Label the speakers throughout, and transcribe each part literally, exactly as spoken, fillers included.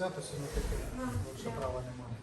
Speaker 1: свято сьогодні таке,
Speaker 2: А,
Speaker 1: якщо
Speaker 2: да.
Speaker 1: права немає.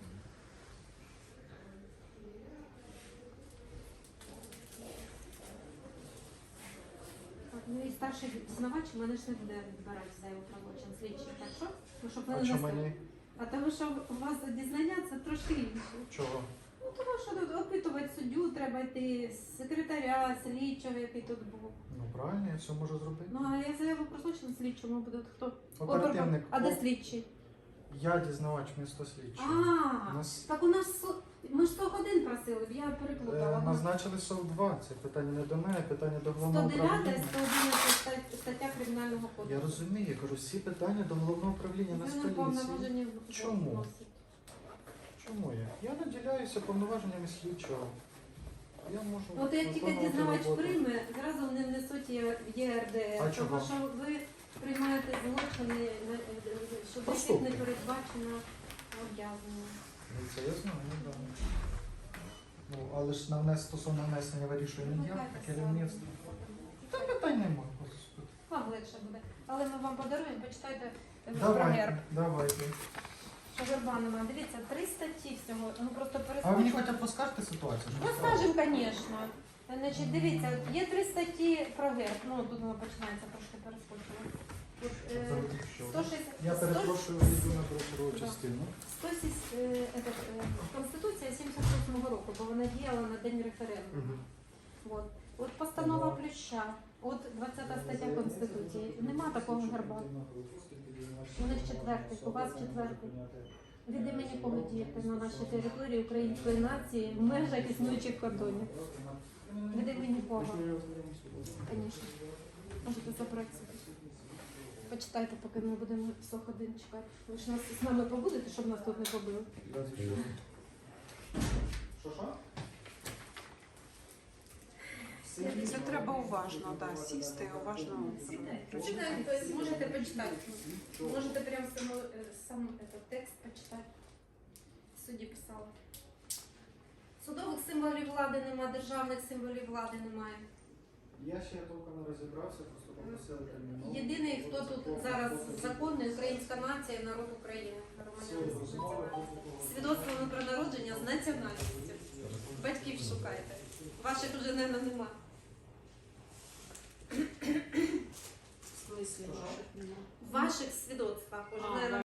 Speaker 2: Так, ну і старший дізнавач мене ж не буде відбирати за його правочин слідчий, так що? Ну, щоб ви
Speaker 1: А
Speaker 2: не
Speaker 1: чому
Speaker 2: нести.
Speaker 1: мені?
Speaker 2: А тому що у вас дізнання це трошки інше.
Speaker 1: Чого?
Speaker 2: Ну тому що тут опитувати суддю, треба йти секретаря, слідчого, який тут був.
Speaker 1: Ну правильно, я все можу зробити.
Speaker 2: Ну а я заяву про злочин слідчому буде хто?
Speaker 1: Оперативник.
Speaker 2: А де
Speaker 1: О,
Speaker 2: слідчий?
Speaker 1: Я дізнавач місто слідчий.
Speaker 2: А,
Speaker 1: Нас
Speaker 2: так у нас со- ми ж сто годин просили, я
Speaker 1: е,
Speaker 2: переплутала.
Speaker 1: назначили СОВ два. Це питання не до мене, питання до
Speaker 2: сто
Speaker 1: головного
Speaker 2: дев'ята і
Speaker 1: управління.
Speaker 2: сто одинадцята стаття Кримінального кодексу.
Speaker 1: Я розумію, я кажу, всі питання до головного управління
Speaker 2: Ви не
Speaker 1: Нацполіції.
Speaker 2: повноважені
Speaker 1: Чому?
Speaker 2: вносити.
Speaker 1: Чому я? Я наділяюся повноваженнями слідчого. Я можу
Speaker 2: От як тільки
Speaker 1: виконувати
Speaker 2: дізнавач
Speaker 1: роботу.
Speaker 2: прийме, зразу вони внесуть Є- ЄРДР,
Speaker 1: А чого?
Speaker 2: тому що ви приймаєте злочини, на- що яких
Speaker 1: Поступки.
Speaker 2: не передбачено об'явлення.
Speaker 1: Ну, це я знаю, да. Ну, але ж на внес стосовно внесення вирішує не я, а керівництво. Та питань немає. господи.
Speaker 2: Вам легше буде. Але ми вам подаруємо, почитайте е, про
Speaker 1: Давайте,
Speaker 2: герб.
Speaker 1: давайте.
Speaker 2: Що герба немає. Дивіться, три статті всього. Ну просто
Speaker 1: А ви мені
Speaker 2: перескочимо.
Speaker 1: хоча б поскажете ситуацію? щоб
Speaker 2: Ну,
Speaker 1: я
Speaker 2: скажемо, звісно. Значить, дивіться, є три статті про герб. Ну, тут воно починається, трошки перескочила. От, е,
Speaker 1: Завжди що?
Speaker 2: сто шістдесят
Speaker 1: Я
Speaker 2: сто-
Speaker 1: перепрошую, йду на другу
Speaker 2: Да.
Speaker 1: частину.
Speaker 2: сто сість, е, этот, е, Конституція сімдесят восьмого року, бо вона діяла на день референдуму. От. От постанова
Speaker 1: Ага.
Speaker 2: Плюща, от двадцята стаття Конституції. Нема такого герба. У них четвертий, у вас четвертий. Від імені кого діяти на нашій території української нації в межах існуючих кордонів. Від імені кого? Звісно. Можете забрати собі. Почитайте, поки ми будемо сто годин чекати. Ви ж нас з нами побудете, щоб нас тут не побили.
Speaker 1: Що, що?
Speaker 3: Це треба уважно, да, сісти і уважно прочитати.
Speaker 2: Читайте, тобто можете почитати. Можете прямо сам, сам этот текст почитати. В суді писала. Судових символів влади немає, державних символів влади немає.
Speaker 1: Я ще толком не розібрався, просто попросили терміново.
Speaker 2: Єдиний, хто тут зараз законний, українська нація, народ України. Громадяни
Speaker 1: Розмови.
Speaker 2: Свідоцтвами про народження з національністю. Батьків шукайте. Ваших вже, мабуть, нема.
Speaker 3: В смислі?
Speaker 2: В ваших свідоцтвах уже,
Speaker 3: А,
Speaker 2: мабуть,